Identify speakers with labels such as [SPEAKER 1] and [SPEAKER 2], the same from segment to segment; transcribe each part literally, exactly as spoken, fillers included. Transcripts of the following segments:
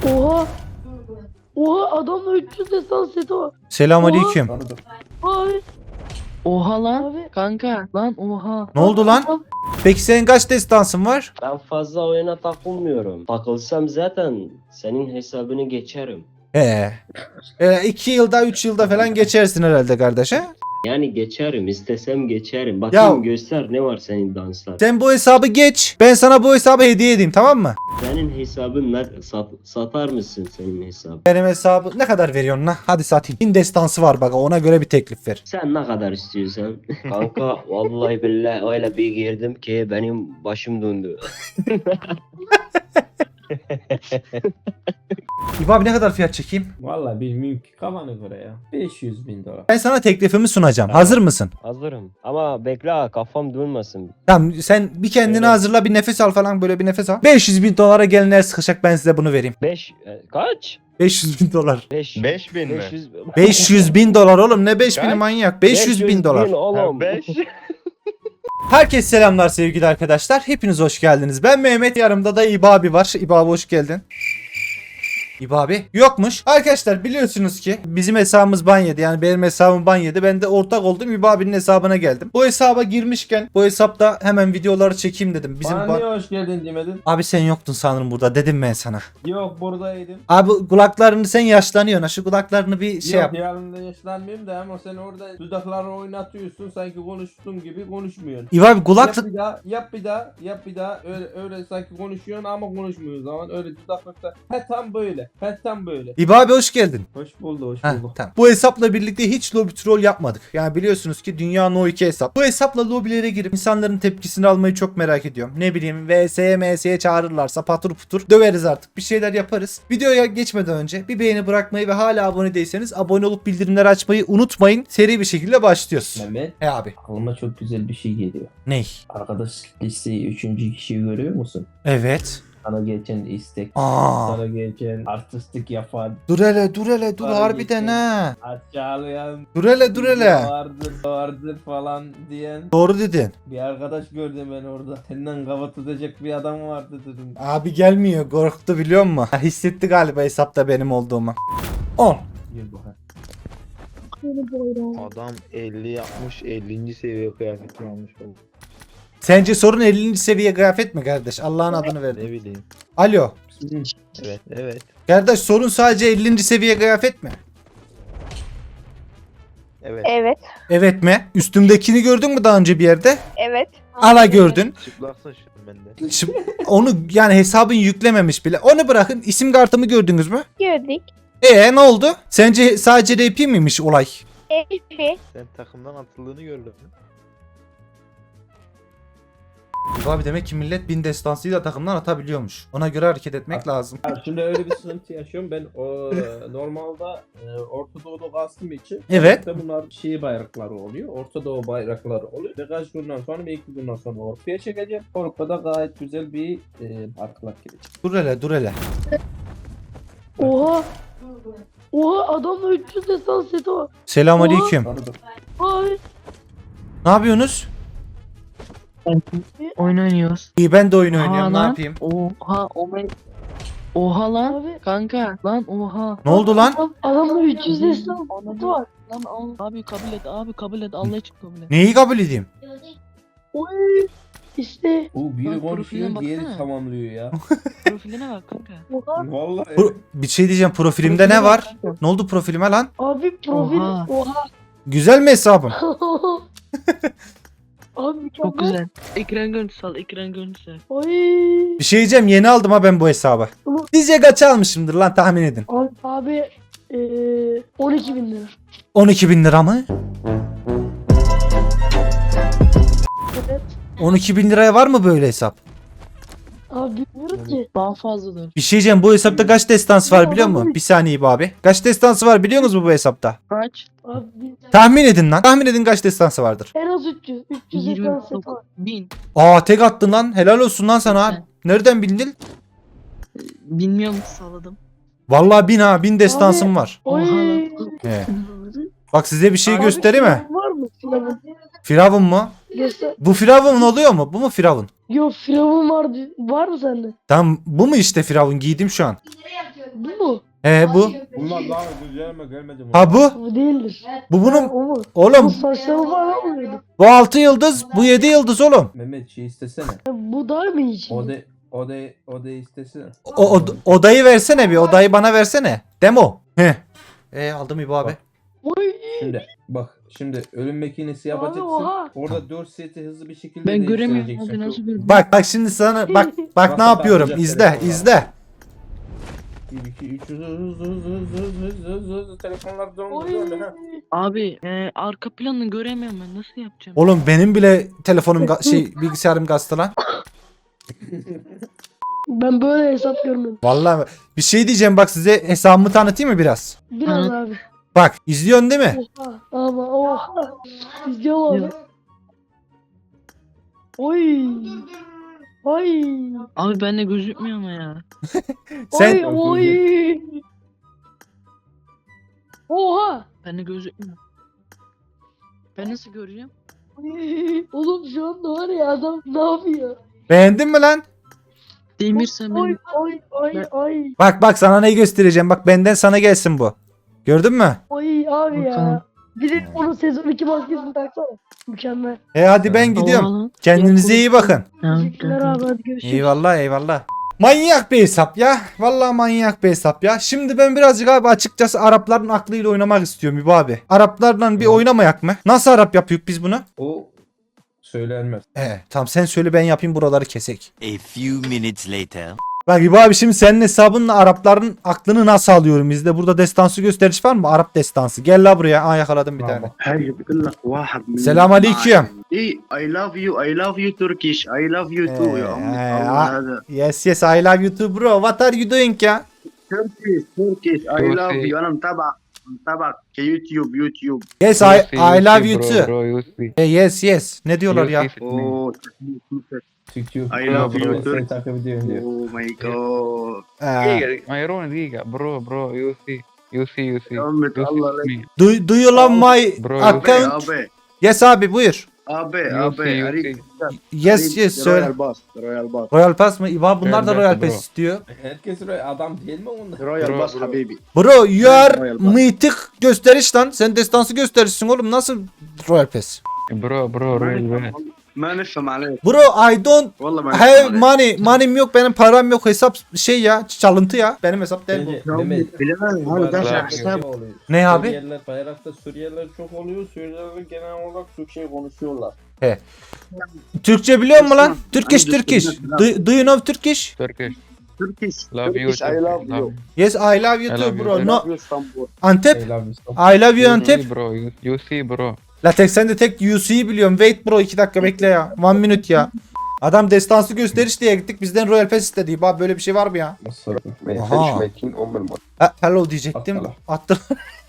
[SPEAKER 1] Oha. Oha adamla üç yüz destan seti var.
[SPEAKER 2] Selamünaleyküm.
[SPEAKER 1] Abi.
[SPEAKER 3] Oha lan
[SPEAKER 1] Abi.
[SPEAKER 3] kanka lan oha.
[SPEAKER 2] Ne oldu lan? Peki senin kaç destansın var?
[SPEAKER 4] Ben fazla oyuna takılmıyorum. Takılsam zaten senin hesabını geçerim.
[SPEAKER 2] He. E, iki yılda üç yılda falan geçersin herhalde kardeş he?
[SPEAKER 4] Yani geçerim, istesem geçerim. Bakayım
[SPEAKER 2] Ya-
[SPEAKER 4] göster ne var senin danslar.
[SPEAKER 2] Sen bu hesabı geç. Ben sana bu hesabı hediye edeyim, tamam mı?
[SPEAKER 4] Senin hesabın ne? Sat, satar mısın senin hesabı?
[SPEAKER 2] Benim hesabı ne kadar veriyorsun lan? Hadi satayım. Bin destansı var bak, ona göre bir teklif ver.
[SPEAKER 4] Sen ne kadar istiyorsan. Kanka vallahi billahi öyle bir girdim ki benim başım döndü.
[SPEAKER 2] İbo abi ne kadar fiyat çekeyim?
[SPEAKER 5] Vallahi bilmiyorum ki kafana göre ya. beş yüz bin dolar.
[SPEAKER 2] Ben sana teklifimi sunacağım. Hazır mısın?
[SPEAKER 4] Hazırım. Ama bekle ha, kafam dönmesin.
[SPEAKER 2] Tamam, sen bir kendini
[SPEAKER 4] Evet.
[SPEAKER 2] hazırla, bir nefes al falan, böyle bir nefes al. beş yüz bin dolara gelinler sıkışacak, ben size bunu vereyim.
[SPEAKER 4] beş kaç?
[SPEAKER 2] beş yüz bin dolar.
[SPEAKER 4] beş
[SPEAKER 6] beş bin mi?
[SPEAKER 4] beş yüz
[SPEAKER 2] beş yüz bin dolar oğlum, ne beş bini
[SPEAKER 6] Kaç?
[SPEAKER 2] manyak. beş yüz bin dolar.
[SPEAKER 4] oğlum.
[SPEAKER 6] beş.
[SPEAKER 2] Herkese selamlar sevgili arkadaşlar. Hepiniz hoş geldiniz. Ben Mehmet, yanımda da İbo abi var. İbo abi hoş geldin. İbo abi yokmuş. Arkadaşlar biliyorsunuz ki bizim hesabımız ban yedi. Yani benim hesabım ban yedi. Ben de ortak oldum. İbo abinin hesabına geldim. Bu hesaba girmişken bu hesapta hemen videoları çekeyim dedim. Bizim
[SPEAKER 5] Bana
[SPEAKER 2] ban...
[SPEAKER 5] niye hoş geldin demedin?
[SPEAKER 2] Abi sen yoktun sanırım burada, dedim ben sana.
[SPEAKER 5] Yok buradaydım.
[SPEAKER 2] Abi kulaklarını, sen yaşlanıyorsun. Ha, şu kulaklarını bir şey
[SPEAKER 5] Yok
[SPEAKER 2] yap.
[SPEAKER 5] yanında yaşlanmıyorum da ama sen orada dudakları oynatıyorsun sanki konuştuğun gibi konuşmuyorsun.
[SPEAKER 2] İbo abi
[SPEAKER 5] Yap
[SPEAKER 2] kulaklık...
[SPEAKER 5] bir daha, yap bir daha, yap bir daha. Öyle öyle sanki konuşuyorsun ama konuşmuyorsun zaman öyle dudaklıkta. He tam böyle. He tam böyle.
[SPEAKER 2] İbo abi hoş geldin.
[SPEAKER 5] Hoş buldu, hoş
[SPEAKER 2] Heh,
[SPEAKER 5] bulduk.
[SPEAKER 2] tamam. Bu hesapla birlikte hiç lobby troll yapmadık. Yani biliyorsunuz ki Dünya No iki hesap. Bu hesapla lobilere girip insanların tepkisini almayı çok merak ediyorum. Ne bileyim V S'ye M S'ye çağırırlarsa patur putur döveriz artık. Bir şeyler yaparız. Videoya geçmeden önce bir beğeni bırakmayı ve hala abone değilseniz abone olup bildirimleri açmayı unutmayın. Seri bir şekilde başlıyoruz.
[SPEAKER 5] Mehmet,
[SPEAKER 2] He abi.
[SPEAKER 5] aklıma çok güzel bir şey geliyor.
[SPEAKER 2] Ney?
[SPEAKER 5] Arkadaş listeyi üçüncü kişiyi görüyor musun?
[SPEAKER 2] Evet.
[SPEAKER 5] Sana geçen istek,
[SPEAKER 2] Aa.
[SPEAKER 5] sana geçen artistik yapan,
[SPEAKER 2] Dur hele dur hele dur
[SPEAKER 5] Bana
[SPEAKER 2] harbiden
[SPEAKER 5] geçin.
[SPEAKER 2] ha.
[SPEAKER 5] aşağılayan,
[SPEAKER 2] Dur hele dur hele.
[SPEAKER 5] vardır vardır falan diyen
[SPEAKER 2] Doğru dedin.
[SPEAKER 5] bir arkadaş gördüm ben orada. Senden kafa tutacak bir adam vardı dedim.
[SPEAKER 2] Abi gelmiyor, korktu biliyor musun? Ha, hissetti galiba hesapta benim olduğumu. on.
[SPEAKER 5] Yürü bakalım.
[SPEAKER 6] Adam elli yapmış, ellinci seviye kıyafet almış.
[SPEAKER 2] Sence sorun ellinci seviye kıyafet mi kardeş? Allah'ın adını verdim.
[SPEAKER 6] Ne bileyim.
[SPEAKER 2] Alo.
[SPEAKER 6] Evet, evet,
[SPEAKER 2] Kardeş sorun sadece ellinci seviye kıyafet mi?
[SPEAKER 6] evet.
[SPEAKER 7] Evet,
[SPEAKER 2] Evet mi? Üstümdekini gördün mü daha önce bir yerde?
[SPEAKER 7] evet.
[SPEAKER 2] Ala gördün.
[SPEAKER 6] Çıplaksın şimdi bende.
[SPEAKER 2] Şimdi onu yani hesabın yüklememiş bile. Onu bırakın, isim kartımı gördünüz mü?
[SPEAKER 7] Gördük.
[SPEAKER 2] Ee ne oldu? Sence sadece R P miymiş olay?
[SPEAKER 7] Epi.
[SPEAKER 6] Sen takımdan atıldığını gördün mü?
[SPEAKER 2] Abi demek ki millet bin destansıyla takımdan atabiliyormuş. Ona göre hareket etmek lazım.
[SPEAKER 5] Ya şimdi öyle bir sıkıntı yaşıyorum. Ben o normalde e, Orta Doğu'da kastım için.
[SPEAKER 2] Evet.
[SPEAKER 5] işte bunlar şey bayrakları oluyor. Orta Doğu bayrakları oluyor. Birkaç günden sonra bir iki günden sonra Avrupa'ya çekeceğim. Avrupa'da gayet güzel bir e, parklar gelecek.
[SPEAKER 2] Dur hele dur hele.
[SPEAKER 1] Oha. Oha adamla üç yüz destan seti var.
[SPEAKER 2] Selamünaleyküm.
[SPEAKER 5] Pardon.
[SPEAKER 1] Abi.
[SPEAKER 2] Ne yapıyorsunuz?
[SPEAKER 3] Oyun oynuyoruz.
[SPEAKER 2] İyi, ben de oyun oynuyorum.
[SPEAKER 3] Oha
[SPEAKER 2] Ne
[SPEAKER 3] lan.
[SPEAKER 2] yapayım?
[SPEAKER 3] Oha o ben. Oha lan
[SPEAKER 1] Abi.
[SPEAKER 3] kanka lan oha.
[SPEAKER 2] Ne oldu lan?
[SPEAKER 1] Adam, adamla üç yüz destan seti var.
[SPEAKER 3] Lan al. Abi kabul et abi kabul et Allah için kabul et.
[SPEAKER 2] Neyi kabul edeyim?
[SPEAKER 1] Oy. İşte.
[SPEAKER 5] Bu biri
[SPEAKER 3] Lan
[SPEAKER 5] konuşuyor,
[SPEAKER 3] profiline
[SPEAKER 5] diğeri
[SPEAKER 3] baksana.
[SPEAKER 5] tamamlıyor ya.
[SPEAKER 3] Profiline bak kanka.
[SPEAKER 1] Oha.
[SPEAKER 5] Vallahi.
[SPEAKER 2] Pro- bir şey diyeceğim, profilimde ne
[SPEAKER 3] Profiline
[SPEAKER 2] var?
[SPEAKER 3] bak kanka.
[SPEAKER 2] Ne oldu profilime lan?
[SPEAKER 1] Abi profil.
[SPEAKER 3] Oha.
[SPEAKER 1] Oha.
[SPEAKER 2] Güzel mi hesabım?
[SPEAKER 1] Abi mükemmel.
[SPEAKER 3] Çok güzel. Ekran görüntüsü al ekran görüntüsü.
[SPEAKER 1] Oy.
[SPEAKER 2] Bir şey diyeceğim, yeni aldım ha ben bu hesabı.
[SPEAKER 1] Tamam.
[SPEAKER 2] Sizce kaç almışımdır lan, tahmin edin.
[SPEAKER 1] Abi, abi eee on iki bin lira.
[SPEAKER 2] on iki bin lira mı?
[SPEAKER 1] Evet.
[SPEAKER 2] on iki bin liraya var mı böyle hesap?
[SPEAKER 1] Abi bilmiyorum ki.
[SPEAKER 3] Daha fazladır.
[SPEAKER 2] Bir şey diyeceğim, bu hesapta kaç destans var biliyor musun? Bir saniye be abi. Kaç destansı var biliyor musunuz bu hesapta?
[SPEAKER 3] Kaç?
[SPEAKER 1] Abi bir-
[SPEAKER 2] Tahmin edin lan. Tahmin edin kaç destansı vardır.
[SPEAKER 1] en az üç yüz. üç yüz
[SPEAKER 3] yirmi
[SPEAKER 1] destan seti
[SPEAKER 3] dokuz
[SPEAKER 1] var.
[SPEAKER 3] bin.
[SPEAKER 2] Aa tek attın lan. Helal olsun lan sana. Nereden bildin?
[SPEAKER 3] Bilmiyorum salladım.
[SPEAKER 2] Vallahi bin ha. Bin destansım var.
[SPEAKER 1] Oy.
[SPEAKER 3] Oha lan.
[SPEAKER 2] He. Bak size bir şey
[SPEAKER 1] Abi,
[SPEAKER 2] göstereyim mi?
[SPEAKER 1] firavun var mı? Firavun.
[SPEAKER 2] Firavun mu?
[SPEAKER 1] Göster.
[SPEAKER 2] Bu Firavun oluyor mu? Bu mu Firavun?
[SPEAKER 1] Yok firavun var. Var mı sende?
[SPEAKER 2] Tamam, bu mu işte Firavun, giydim şu an.
[SPEAKER 1] Bu mu?
[SPEAKER 2] He bu.
[SPEAKER 5] Bunlar daha güzelme gelmedi mi?
[SPEAKER 2] Ha bu.
[SPEAKER 1] Bu değildir.
[SPEAKER 2] Bu
[SPEAKER 1] Ha,
[SPEAKER 2] bunun.
[SPEAKER 1] o mu? Bu
[SPEAKER 2] Oğlum
[SPEAKER 1] saçları falan mıydı?
[SPEAKER 2] bu altı yıldız, bu yedi yıldız oğlum.
[SPEAKER 5] Mehmet şey istesene.
[SPEAKER 1] Bu dar mı hiç?
[SPEAKER 5] O da o da o da istesene.
[SPEAKER 2] O, o- odayı versene bir, odayı bana versene. Demo. He. E aldım İbo abi.
[SPEAKER 1] Oy.
[SPEAKER 5] Şimdi bak şimdi ölüm makinesi
[SPEAKER 1] Abi,
[SPEAKER 5] yapacaksın.
[SPEAKER 1] oha.
[SPEAKER 5] Orada dört seti hızlı bir şekilde
[SPEAKER 3] Ben göremiyorum
[SPEAKER 5] değiştireceksin.
[SPEAKER 3] abi nasıl görüyorum?
[SPEAKER 2] Bak bak şimdi sana bak bak ne yapıyorum. İzle izle.
[SPEAKER 5] bir iki üç hızlı hızlı hızlı hızlı hızlı hızlı hızlı telefonlar döndü
[SPEAKER 1] Oy.
[SPEAKER 5] döndü ha.
[SPEAKER 3] Abi e, arka planını göremiyorum ben nasıl yapacağım?
[SPEAKER 2] Oğlum benim bile telefonum ga- şey bilgisayarım gazete lan.
[SPEAKER 1] Ben böyle hesap görmedim.
[SPEAKER 2] Vallahi bir şey diyeceğim bak size hesabımı tanıtayım mı biraz?
[SPEAKER 1] Biraz
[SPEAKER 3] Hı.
[SPEAKER 1] abi.
[SPEAKER 2] Bak izliyorsun değil mi?
[SPEAKER 1] Oha. Ama oha. İzliyorum abi.
[SPEAKER 3] Ya.
[SPEAKER 1] Oy. Oy.
[SPEAKER 3] Abi bende gözükmüyor ama ya.
[SPEAKER 2] Sen
[SPEAKER 1] Oy. Oy. Oha.
[SPEAKER 3] Bende gözükmüyor. Ben nasıl göreceğim?
[SPEAKER 1] Oy. Oğlum şu anda var ya adam ne yapıyor?
[SPEAKER 2] beğendin mi lan?
[SPEAKER 3] Demirse
[SPEAKER 1] Oy
[SPEAKER 3] ben
[SPEAKER 1] oy oy
[SPEAKER 3] Ben-
[SPEAKER 1] oy.
[SPEAKER 2] Bak bak sana neyi göstereceğim. Bak benden sana gelsin bu. Gördün mü?
[SPEAKER 1] Oy abi ya.
[SPEAKER 3] Bakalım.
[SPEAKER 1] Bir de onun sezon iki maskesini taksana. Mükemmel.
[SPEAKER 2] E hadi ben gidiyorum.
[SPEAKER 3] Oha lan.
[SPEAKER 2] Kendinize iyi bakın.
[SPEAKER 3] Tamam,
[SPEAKER 1] Teşekkürler
[SPEAKER 3] tamam.
[SPEAKER 1] abi hadi görüşürüz.
[SPEAKER 2] Eyvallah eyvallah. Manyak bir hesap ya. Vallahi manyak bir hesap ya. Şimdi ben birazcık abi açıkçası Arapların aklıyla oynamak istiyorum İbo abi. Araplarla bir
[SPEAKER 5] Hı.
[SPEAKER 2] oynamayak mı? Nasıl Arap yapıyoruz biz bunu?
[SPEAKER 5] O söylenmez.
[SPEAKER 2] He tamam sen söyle ben yapayım buraları kesek.
[SPEAKER 7] A few minutes later.
[SPEAKER 2] Bak İbo abi şimdi senin hesabınla Arapların aklını nasıl alıyorum? Bizde burada destansı gösteriş var mı? Arap destansı. Gel la buraya. Aa yakaladım bir
[SPEAKER 5] Tamam.
[SPEAKER 2] tane.
[SPEAKER 8] هاي بقول لك واحد من
[SPEAKER 2] سلام عليكم.
[SPEAKER 8] اي اي لاف يو اي لاف يو تركيش اي لاف يو تو يا امي
[SPEAKER 2] آه،
[SPEAKER 8] الله
[SPEAKER 2] آه.
[SPEAKER 8] هذا
[SPEAKER 2] Yes yes I love you too bro. What are you doing ya?
[SPEAKER 8] تركيش تركيش اي لاف يو انا متابعك متابعك كيوتيوب يوتيوب
[SPEAKER 2] Yes I, I love you too.
[SPEAKER 6] Bro, you see.
[SPEAKER 2] Eh, yes yes. Ne diyorlar
[SPEAKER 6] You
[SPEAKER 2] ya?
[SPEAKER 6] see with me.
[SPEAKER 8] اوه
[SPEAKER 5] Türkçe
[SPEAKER 8] I love you,
[SPEAKER 5] Seni
[SPEAKER 8] Türk.
[SPEAKER 5] takip ediyorum diyor.
[SPEAKER 8] اوه ماي جاد
[SPEAKER 2] Ee,
[SPEAKER 6] دقيقة مايرون دقيقة برو برو you see you see you see
[SPEAKER 8] يا امي
[SPEAKER 6] you see
[SPEAKER 8] الله
[SPEAKER 6] with
[SPEAKER 8] لك
[SPEAKER 6] me.
[SPEAKER 2] do, do you love my
[SPEAKER 6] Bro,
[SPEAKER 2] account?
[SPEAKER 8] ابي
[SPEAKER 2] Yes abi buyur.
[SPEAKER 8] ابي
[SPEAKER 6] You see
[SPEAKER 8] ابي
[SPEAKER 6] you
[SPEAKER 8] اريد
[SPEAKER 6] see.
[SPEAKER 2] Yes yes söyle.
[SPEAKER 8] رويال باس رويال باس
[SPEAKER 2] Royal Pass mı? İba bunlar da
[SPEAKER 6] Evet,
[SPEAKER 2] Royal
[SPEAKER 6] bro.
[SPEAKER 2] Pass istiyor.
[SPEAKER 5] Herkes öyle adam değil mi onlar?
[SPEAKER 8] رويال
[SPEAKER 6] Bro,
[SPEAKER 8] باس
[SPEAKER 6] bro.
[SPEAKER 8] حبيبي
[SPEAKER 2] Bro you are
[SPEAKER 8] Royal Pass.
[SPEAKER 2] mythic gösteriş lan. Sen destansı gösterişsin oğlum. Nasıl Royal Pass?
[SPEAKER 6] برو برو
[SPEAKER 8] ما
[SPEAKER 6] real
[SPEAKER 8] نفهم-
[SPEAKER 6] bad.
[SPEAKER 8] ما نفهم عليك
[SPEAKER 2] Bro I don't
[SPEAKER 8] والله ما
[SPEAKER 2] have
[SPEAKER 8] نفهم عليك
[SPEAKER 2] money. Money'm yok. Benim param yok. Hesap şey ya. Çalıntı ya. Benim hesap değil bu.
[SPEAKER 5] Bence
[SPEAKER 8] يا أمي
[SPEAKER 5] Mehmet.
[SPEAKER 8] بلال
[SPEAKER 5] bu
[SPEAKER 8] هذا دافع
[SPEAKER 5] bayrakta
[SPEAKER 8] حساب
[SPEAKER 5] şey oluyor.
[SPEAKER 2] Ne abi?
[SPEAKER 5] Suriyeliler, bayrakta Suriyeliler çok oluyor. Suriyeliler genel olarak Türkçe konuşuyorlar.
[SPEAKER 2] Türkçe biliyor musun lan? Turkish
[SPEAKER 8] Aynı
[SPEAKER 2] Turkish.
[SPEAKER 8] Türkçe.
[SPEAKER 2] Do, do you know Turkish?
[SPEAKER 6] Turkish.
[SPEAKER 8] تركيش
[SPEAKER 6] Love you
[SPEAKER 8] تركيش اي لاف
[SPEAKER 6] Turkish. Love
[SPEAKER 8] يو
[SPEAKER 6] you.
[SPEAKER 2] Yes I love you
[SPEAKER 6] I
[SPEAKER 2] too
[SPEAKER 6] love you
[SPEAKER 2] bro.
[SPEAKER 6] too.
[SPEAKER 2] No
[SPEAKER 8] لاف يو اسطنبول
[SPEAKER 2] Antep.
[SPEAKER 5] Ey lan Mustafa.
[SPEAKER 2] I love you
[SPEAKER 6] You
[SPEAKER 2] Antep.
[SPEAKER 6] see bro you, you see bro.
[SPEAKER 2] La tek sen de tek U C'yi biliyorum. Wait bro iki dakika bekle ya. One minute ya. Adam destansı gösteriş diye gittik. Bizden Royal Pass istedi. Bak böyle bir şey var mı ya?
[SPEAKER 5] Nasıl?
[SPEAKER 2] Aha. Ha, hello diyecektim.
[SPEAKER 5] Attı
[SPEAKER 2] Attı.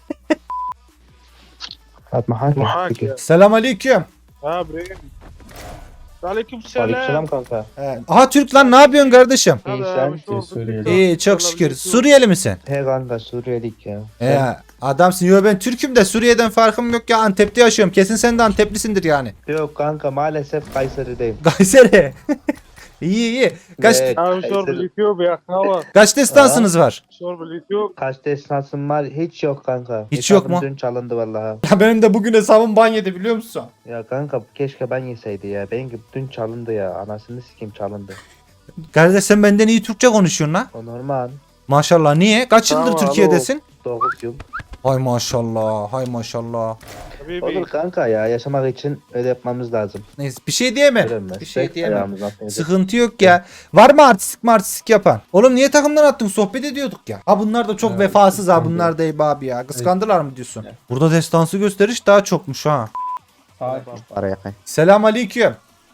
[SPEAKER 9] معاك يا
[SPEAKER 2] Selam aleyküm.
[SPEAKER 9] ها ابراهيم وعليكم السلام
[SPEAKER 6] kanka.
[SPEAKER 2] He. Aha Türk lan ne yapıyorsun kardeşim?
[SPEAKER 9] هذا مشهور
[SPEAKER 5] Suriyeli.
[SPEAKER 9] بالتيك
[SPEAKER 2] İyi çok şükür. Suriyeli misin?
[SPEAKER 6] He kanka Suriyelik ya.
[SPEAKER 2] He adamsın. Yo ben Türk'üm de Suriye'den farkım yok ya. Antep'te yaşıyorum. Kesin sen de Anteplisindir yani.
[SPEAKER 6] Yok kanka maalesef Kayseri'deyim.
[SPEAKER 2] Kayseri. iyi iyi. Kaç
[SPEAKER 6] Evet.
[SPEAKER 9] ها مشهور باليوتيوب يا اخوان
[SPEAKER 2] kaç destansınız var?
[SPEAKER 9] مشهور باليوتيوب
[SPEAKER 6] Kaç destansım var? Hiç yok kanka.
[SPEAKER 2] Hiç yok
[SPEAKER 6] Hesabım
[SPEAKER 2] mu?
[SPEAKER 6] Dün çalındı vallahi.
[SPEAKER 2] Ya benim de bugün hesabım ban yedi biliyor musun?
[SPEAKER 6] Ya kanka keşke ben yeseydi ya. Benimki dün çalındı ya. Anasını sikeyim çalındı.
[SPEAKER 2] Kardeş sen benden iyi Türkçe konuşuyorsun lan.
[SPEAKER 6] O normal.
[SPEAKER 2] Maşallah niye? Kaç yıldır
[SPEAKER 9] Tamam,
[SPEAKER 2] Türkiye'desin?
[SPEAKER 6] dokuz yıl.
[SPEAKER 2] Hay maşallah, hay maşallah.
[SPEAKER 9] حبيبي
[SPEAKER 6] Olur kanka ya. Yaşamak için öyle yapmamız lazım.
[SPEAKER 2] Neyse bir şey diyemem.
[SPEAKER 6] Öyle
[SPEAKER 2] Bir şey diyemem.
[SPEAKER 6] ayağımızdan öyle.
[SPEAKER 2] Sıkıntı yok ya. Var mı artistik martistik yapan? Oğlum niye takımdan attın? Sohbet ediyorduk ya. Ha bunlar da çok
[SPEAKER 5] Evet,
[SPEAKER 2] vefasız ha.
[SPEAKER 5] kıskandı.
[SPEAKER 2] Bunlar da iyi abi ya. Kıskandılar mı diyorsun?
[SPEAKER 5] Evet.
[SPEAKER 2] Burada destansı gösteriş daha çokmuş ha.
[SPEAKER 5] Sakin.
[SPEAKER 2] Selam aleyküm.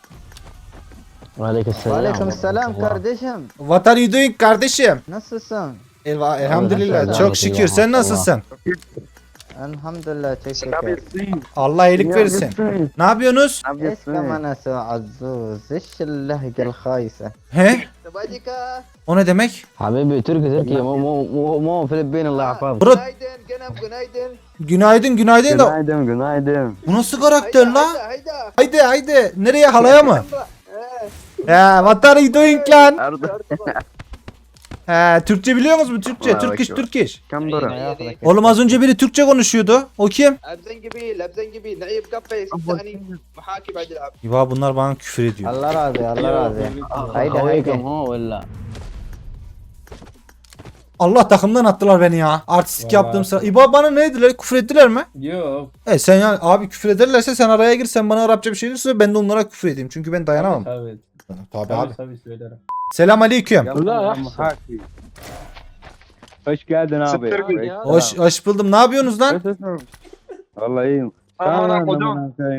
[SPEAKER 10] Aleyküm selam kardeşim.
[SPEAKER 2] What are you doing kardeşim?
[SPEAKER 10] Nasılsın?
[SPEAKER 2] Elva, elhamdülillah.
[SPEAKER 10] Allah
[SPEAKER 2] Çok
[SPEAKER 10] Allah.
[SPEAKER 2] şükür. Sen nasılsın?
[SPEAKER 10] Elhamdülillah teşekkür.
[SPEAKER 2] Allah iyilik versin. Ne yapıyorsunuz?
[SPEAKER 10] ايش كمان اسوي عزوز ايش اللهجة الخايسة
[SPEAKER 2] He? O ne demek?
[SPEAKER 10] حبيبي تركي تركي مو مو مو مو فلبين الله يحفظك
[SPEAKER 2] Bro. Günaydın günaydın da.
[SPEAKER 10] günaydın günaydın
[SPEAKER 2] Bu nasıl karakter la? Haydi haydi. Nereye halaya mı? Ya what are you doing lan? He, Türkçe biliyor musunuz? Türkçe,
[SPEAKER 8] Vay
[SPEAKER 2] Türk iş,
[SPEAKER 8] bak.
[SPEAKER 2] Türk iş.
[SPEAKER 8] كم دورة؟
[SPEAKER 2] Oğlum az önce biri Türkçe konuşuyordu. O kim?
[SPEAKER 6] Labzen gibi, labzen gibi. Naib kafe, sani, muhaki ba'd al-ab.
[SPEAKER 2] İba bunlar bana küfür ediyor.
[SPEAKER 10] الله راضي الله راضي هيدا
[SPEAKER 3] هوايكم
[SPEAKER 10] هيدا
[SPEAKER 3] هو ولا؟
[SPEAKER 2] Allah takımdan attılar beni ya. Artistik
[SPEAKER 5] Vallahi
[SPEAKER 2] yaptığım sıra.
[SPEAKER 5] attılar.
[SPEAKER 2] İba bana ne dediler? Küfür ettiler mi?
[SPEAKER 5] Yok.
[SPEAKER 2] E sen yani abi küfür ederlerse sen araya gir, sen bana Arapça bir şey söyle, ben de onlara küfür edeyim. Çünkü ben dayanamam.
[SPEAKER 5] Tabii
[SPEAKER 2] Tabii
[SPEAKER 5] tabii.
[SPEAKER 2] abi.
[SPEAKER 5] Tabii, tabii söylerim.
[SPEAKER 2] Selam aleyküm.
[SPEAKER 9] لا
[SPEAKER 10] hoş geldin abi.
[SPEAKER 2] Hoş, hoş buldum. Ne yapıyorsunuz lan?
[SPEAKER 10] Vallahi iyiyim.
[SPEAKER 9] انا قدام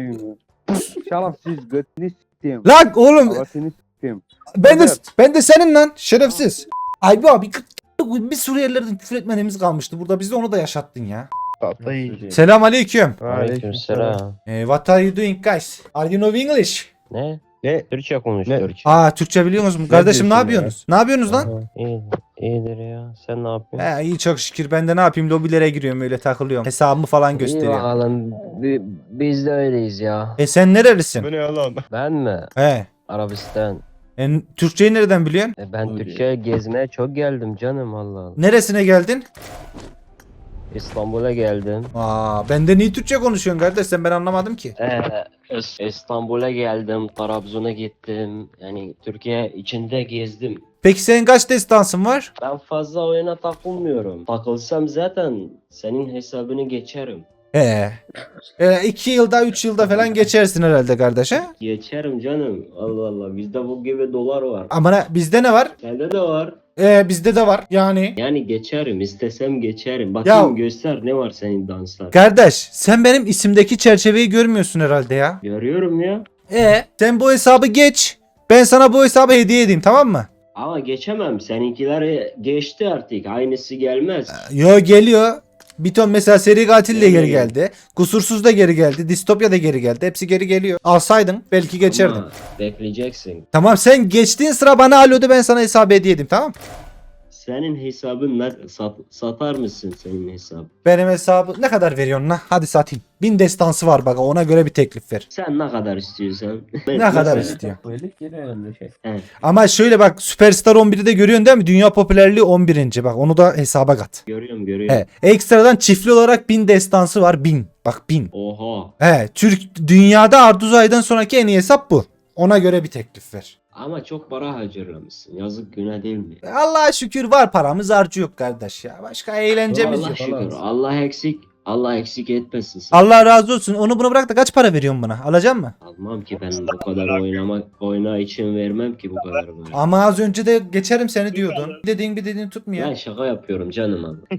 [SPEAKER 10] Şerefsiz götünü s**tim.
[SPEAKER 2] Lan oğlum
[SPEAKER 10] Havasını s**tim.
[SPEAKER 2] ben de ben de senin lan şerefsiz. Ay bu abi bir Suriyelilerden küfür etmediğimiz kalmıştı. Burada bizi onu da yaşattın ya. Selam aleyküm.
[SPEAKER 4] Aleykümselam.
[SPEAKER 2] Eh, what are you doing guys? Are you know English?
[SPEAKER 4] Ne? Ne? Türkçe konuş
[SPEAKER 6] Ne?
[SPEAKER 4] Türkçe.
[SPEAKER 2] Aa Türkçe biliyor musun? Kardeşim ne
[SPEAKER 6] diyorsun ya?
[SPEAKER 2] yapıyorsunuz? Ne yapıyorsunuz lan?
[SPEAKER 4] Aha, İyi, iyidir ya. Sen ne yapıyorsun?
[SPEAKER 2] He iyi çok şükür. Ben de ne yapayım? Lobilere giriyorum öyle takılıyorum. Hesabımı falan
[SPEAKER 4] İyi
[SPEAKER 2] gösteriyorum.
[SPEAKER 4] bakalım. Bi- Biz de öyleyiz ya.
[SPEAKER 2] E sen nerelisin?
[SPEAKER 4] Ben mi?
[SPEAKER 2] He.
[SPEAKER 4] Arabistan.
[SPEAKER 2] E, Türkçeyi nereden biliyorsun?
[SPEAKER 4] E ben Türkiye'ye gezmeye çok geldim canım Allah Allah.
[SPEAKER 2] Neresine geldin?
[SPEAKER 4] İstanbul'a geldim.
[SPEAKER 2] Aa, benden iyi Türkçe konuşuyorsun kardeş, sen ben anlamadım ki.
[SPEAKER 4] Ee, İs- İstanbul'a geldim. Trabzon'a gittim. Yani Türkiye içinde gezdim.
[SPEAKER 2] Peki senin kaç destansın var?
[SPEAKER 4] Ben fazla oyuna takılmıyorum. Takılsam zaten senin hesabını geçerim.
[SPEAKER 2] He. E, iki yılda üç yılda falan geçersin herhalde kardeş he?
[SPEAKER 4] Geçerim canım. Allah Allah. Bizde bu gibi dolar var.
[SPEAKER 2] Ama ne- bizde ne var?
[SPEAKER 4] Sende de var.
[SPEAKER 2] E, bizde de var yani.
[SPEAKER 4] Yani geçerim. İstesem geçerim. Bakayım
[SPEAKER 2] Ya-
[SPEAKER 4] göster ne var senin danslar.
[SPEAKER 2] Kardeş sen benim isimdeki çerçeveyi görmüyorsun herhalde ya.
[SPEAKER 4] Görüyorum ya.
[SPEAKER 2] E sen bu hesabı geç. Ben sana bu hesabı hediye edeyim, tamam mı?
[SPEAKER 4] Ama geçemem. Seninkiler geçti artık. Aynısı gelmez.
[SPEAKER 2] Yo geliyor. Bir ton mesela seri katil de geri
[SPEAKER 4] Geliyor.
[SPEAKER 2] geldi. Kusursuz da geri geldi. Distopya da geri geldi. Hepsi geri geliyor. Alsaydın belki geçerdin.
[SPEAKER 4] Ama bekleyeceksin.
[SPEAKER 2] Tamam sen geçtiğin sıra bana alo de, ben sana hesabı hediye edeyim, tamam?
[SPEAKER 4] Senin hesabın ne? Sat, satar mısın senin hesabı?
[SPEAKER 2] Benim hesabı ne kadar veriyorsun lan? Hadi satayım. Bin destansı var bak, ona göre bir teklif ver.
[SPEAKER 4] Sen ne kadar istiyorsan.
[SPEAKER 2] Ne kadar
[SPEAKER 4] Mesela-
[SPEAKER 2] istiyor?
[SPEAKER 5] Böyle yine önemli şey.
[SPEAKER 4] Evet.
[SPEAKER 2] Ama şöyle bak, Superstar on bir'i de görüyorsun değil mi? Dünya popülerliği on birinci. Bak onu da hesaba kat.
[SPEAKER 4] Görüyorum görüyorum.
[SPEAKER 2] He, ekstradan çiftli olarak bin destansı var. Bin. Bak bin.
[SPEAKER 4] Oha.
[SPEAKER 2] He, Türk dünyada Arduzay'dan sonraki en iyi hesap bu. Ona göre bir teklif ver.
[SPEAKER 4] Ama çok para harcamışsın. Yazık günah değil mi?
[SPEAKER 2] Allah'a şükür var paramız, harcı yok kardeş ya. Başka eğlencemiz
[SPEAKER 4] Allah
[SPEAKER 2] yok.
[SPEAKER 4] şükür. Allah eksik. Allah eksik etmesin seni.
[SPEAKER 2] Allah razı olsun. Onu bunu bırak da kaç para veriyorsun bana? Alacak mı?
[SPEAKER 4] Almam ki ben bu kadar oynamak oyna için vermem ki bu kadar böyle.
[SPEAKER 2] Ama az önce de geçerim seni diyordun. Bir dediğin bir dediğin tutmuyor.
[SPEAKER 4] Ben şaka yapıyorum canım abi.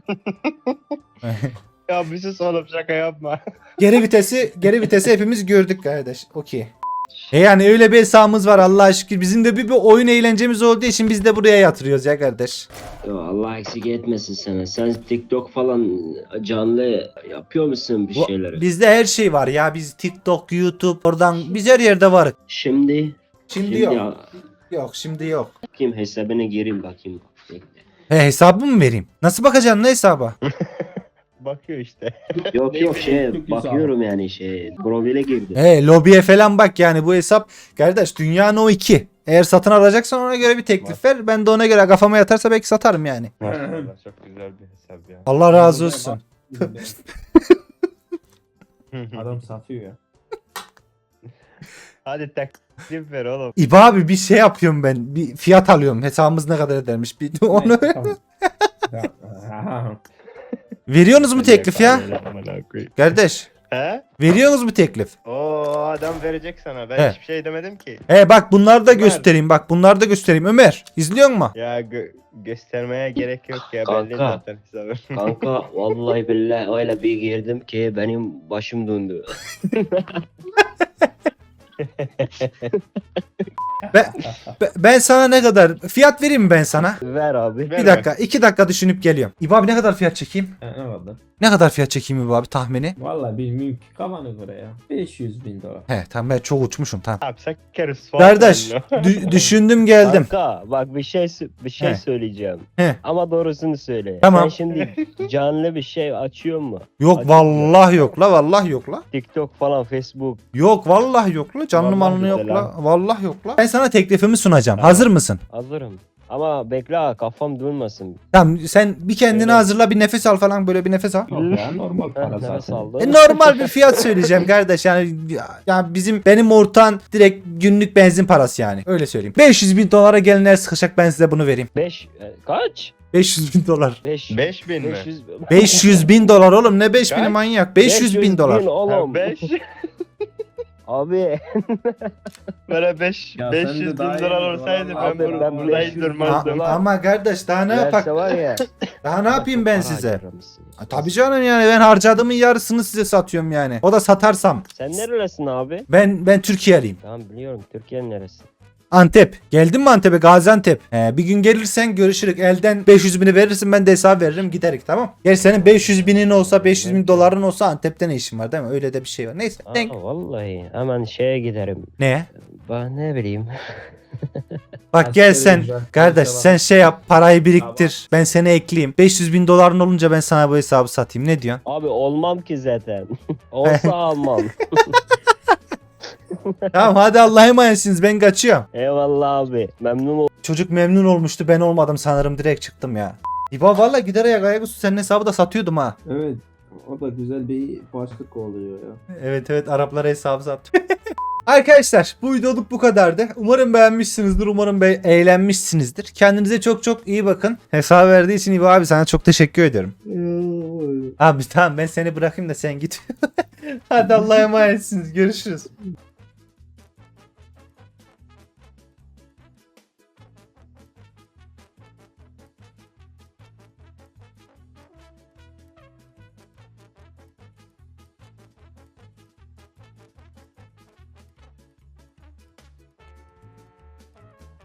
[SPEAKER 6] Ya bir sus oğlum, şaka yapma.
[SPEAKER 2] Geri vitesi, geri vitesi hepimiz gördük kardeş. Okey. E yani öyle bir hesabımız var Allah'a şükür. Bizim de bir, bir oyun eğlencemiz olduğu için biz de buraya yatırıyoruz ya kardeş.
[SPEAKER 4] Yo, Allah eksik etmesin sana. Sen TikTok falan canlı yapıyor musun bir
[SPEAKER 2] Bu-
[SPEAKER 4] şeyleri?
[SPEAKER 2] Bizde her şey var ya. Biz TikTok, YouTube, oradan biz her yerde varız.
[SPEAKER 4] Şimdi
[SPEAKER 2] Şimdi yok.
[SPEAKER 4] ya-
[SPEAKER 2] Yok şimdi yok.
[SPEAKER 4] bakayım hesabına gireyim bakayım. Bekle.
[SPEAKER 2] He, hesabı mı vereyim? Nasıl bakacaksın ne hesaba?
[SPEAKER 6] Bakıyor işte.
[SPEAKER 4] Yok yok şey
[SPEAKER 5] Çok
[SPEAKER 4] bakıyorum yani şey profile girdim.
[SPEAKER 2] He, lobiye falan bak yani bu hesap. Kardeş dünya no iki. Eğer satın alacaksan ona göre bir teklif ver. Ben de ona göre kafama yatarsa belki satarım yani.
[SPEAKER 6] Maşallah çok güzel bir hesap ya.
[SPEAKER 2] Allah razı olsun.
[SPEAKER 5] Adam satıyor ya.
[SPEAKER 6] Hadi teklif ver oğlum.
[SPEAKER 2] İba abi bir şey yapıyorum ben. Bir fiyat alıyorum. Hesabımız ne kadar edermiş. Bir onu
[SPEAKER 5] Neyse, tamam. Ya,
[SPEAKER 2] veriyorsunuz mu teklif ya?
[SPEAKER 6] Amına koyayım.
[SPEAKER 2] Kardeş,
[SPEAKER 6] He?
[SPEAKER 2] veriyorsunuz mu teklif?
[SPEAKER 6] Oo adam verecek sana. Ben
[SPEAKER 2] He.
[SPEAKER 6] hiçbir şey demedim ki.
[SPEAKER 2] He bak bunları da
[SPEAKER 6] Ömer.
[SPEAKER 2] göstereyim. Bak bunları da göstereyim. Ömer, izliyor musun?
[SPEAKER 6] Ya gö- göstermeye gerek yok ya.
[SPEAKER 4] Kanka.
[SPEAKER 6] Belli zaten hesabı.
[SPEAKER 4] Kanka vallahi billahi öyle bir girdim ki benim başım döndü.
[SPEAKER 2] Ben, ben- ben sana ne kadar fiyat vereyim mi ben sana?
[SPEAKER 4] Ver abi.
[SPEAKER 6] Ver
[SPEAKER 2] Bir dakika, iki dakika düşünüp geliyorum. İba abi ne kadar fiyat çekeyim?
[SPEAKER 5] ha, ne vardı?
[SPEAKER 2] Ne kadar fiyat çekeyim İba abi tahmini?
[SPEAKER 5] Vallahi bilmiyorum ki kafana göre ya. beş yüz bin dolar.
[SPEAKER 2] He tamam ben çok uçmuşum tamam.
[SPEAKER 6] Yapsak keriz falan.
[SPEAKER 2] Kardeş dü- düşündüm geldim.
[SPEAKER 4] Kanka bak bir şey sö- bir şey
[SPEAKER 2] He.
[SPEAKER 4] söyleyeceğim.
[SPEAKER 2] He.
[SPEAKER 4] Ama doğrusunu söyle.
[SPEAKER 2] Tamam.
[SPEAKER 4] Sen şimdi canlı bir şey açıyor mu?
[SPEAKER 2] Yok
[SPEAKER 4] Hadi.
[SPEAKER 2] vallahi yok la, vallahi yok la.
[SPEAKER 4] TikTok falan, Facebook.
[SPEAKER 2] Yok vallahi yok la, canlı
[SPEAKER 4] Vallahi
[SPEAKER 2] malını yok
[SPEAKER 4] güzel
[SPEAKER 2] la. Vallahi yok la. Ben sana teklifimi sunacağım. Hazır mısın?
[SPEAKER 4] Hazırım. Ama bekle ha, kafam durmasın.
[SPEAKER 2] Tamam sen bir kendini
[SPEAKER 4] Öyle.
[SPEAKER 2] hazırla, bir nefes al falan, böyle bir nefes al.
[SPEAKER 5] Yok ya normal
[SPEAKER 4] Heh,
[SPEAKER 5] para
[SPEAKER 4] nefes
[SPEAKER 5] zaten.
[SPEAKER 4] aldım.
[SPEAKER 2] E, normal bir fiyat söyleyeceğim kardeş yani, yani bizim benim ortağın direkt günlük benzin parası yani, öyle söyleyeyim. beş yüz bin dolara gelin el sıkışacak, ben size bunu vereyim.
[SPEAKER 4] beş e, kaç?
[SPEAKER 2] beş yüz bin dolar.
[SPEAKER 4] beş
[SPEAKER 6] beş bin mi?
[SPEAKER 4] beş yüz
[SPEAKER 2] beş yüz bin dolar oğlum, ne beş bini
[SPEAKER 6] Kaç?
[SPEAKER 2] manyak, beş yüz bin dolar.
[SPEAKER 4] oğlum.
[SPEAKER 6] beş.
[SPEAKER 4] Abi
[SPEAKER 6] Böyle beş,
[SPEAKER 5] Ya
[SPEAKER 6] beş
[SPEAKER 5] sen de
[SPEAKER 6] yüz bin
[SPEAKER 5] daha iyi
[SPEAKER 6] dolar
[SPEAKER 5] oldun,
[SPEAKER 6] olsaydı
[SPEAKER 5] vallahi.
[SPEAKER 6] ben,
[SPEAKER 4] Abi
[SPEAKER 6] bur-
[SPEAKER 4] ben
[SPEAKER 6] burada
[SPEAKER 4] beş
[SPEAKER 6] hiç
[SPEAKER 4] yüz
[SPEAKER 6] durmazdım.
[SPEAKER 2] A- ama kardeş daha ne yapak?
[SPEAKER 4] verse var ya.
[SPEAKER 2] Daha ne yapayım ben
[SPEAKER 4] Çok para
[SPEAKER 2] size?
[SPEAKER 4] harcamışsın.
[SPEAKER 2] Ha, tabii canım yani, ben harcadığımın yarısını size satıyorum yani. O da satarsam.
[SPEAKER 4] Sen nerelisin abi?
[SPEAKER 2] Ben ben Türkiye'liyim.
[SPEAKER 4] Tamam biliyorum, Türkiye'nin neresi?
[SPEAKER 2] Antep. Geldin mi Antep'e? Gaziantep. He, bir gün gelirsen görüşürük. Elden beş yüz bini verirsin, ben de hesap veririm, giderik, tamam. Gel, senin beş yüz binin olsa, beş yüz bin doların olsa Antep'te ne işin var değil mi? Öyle de bir şey var. Neyse. Denk.
[SPEAKER 4] Aa, vallahi hemen şeye giderim.
[SPEAKER 2] Ne?
[SPEAKER 4] Ben ne bileyim.
[SPEAKER 2] Bak gel sen.
[SPEAKER 5] Güzel.
[SPEAKER 2] Kardeş
[SPEAKER 5] Güzel.
[SPEAKER 2] sen şey yap, parayı biriktir. Ben seni ekleyeyim. beş yüz bin doların olunca ben sana bu hesabı satayım. Ne diyorsun?
[SPEAKER 4] Abi olmam ki zaten. Olsa almam.
[SPEAKER 2] Tamam hadi, Allah'a emanetsiniz, ben kaçıyorum.
[SPEAKER 4] Eyvallah abi. Memnun oldum.
[SPEAKER 2] Çocuk memnun olmuştu, ben olmadım sanırım, direkt çıktım ya. İba valla gider ayak ayaküstü senin hesabı da satıyordum ha.
[SPEAKER 5] Evet. O da güzel bir başlık oluyor ya.
[SPEAKER 2] Evet evet, Araplara hesabı sattım. Arkadaşlar bu videoluk bu kadardı. Umarım beğenmişsinizdir. Umarım be eğlenmişsinizdir. Kendinize çok çok iyi bakın. Hesabı verdiği için İbo abi sana çok teşekkür ediyorum. Abi tamam, ben seni bırakayım da sen git. Hadi Allah'a emanetsiniz. Görüşürüz.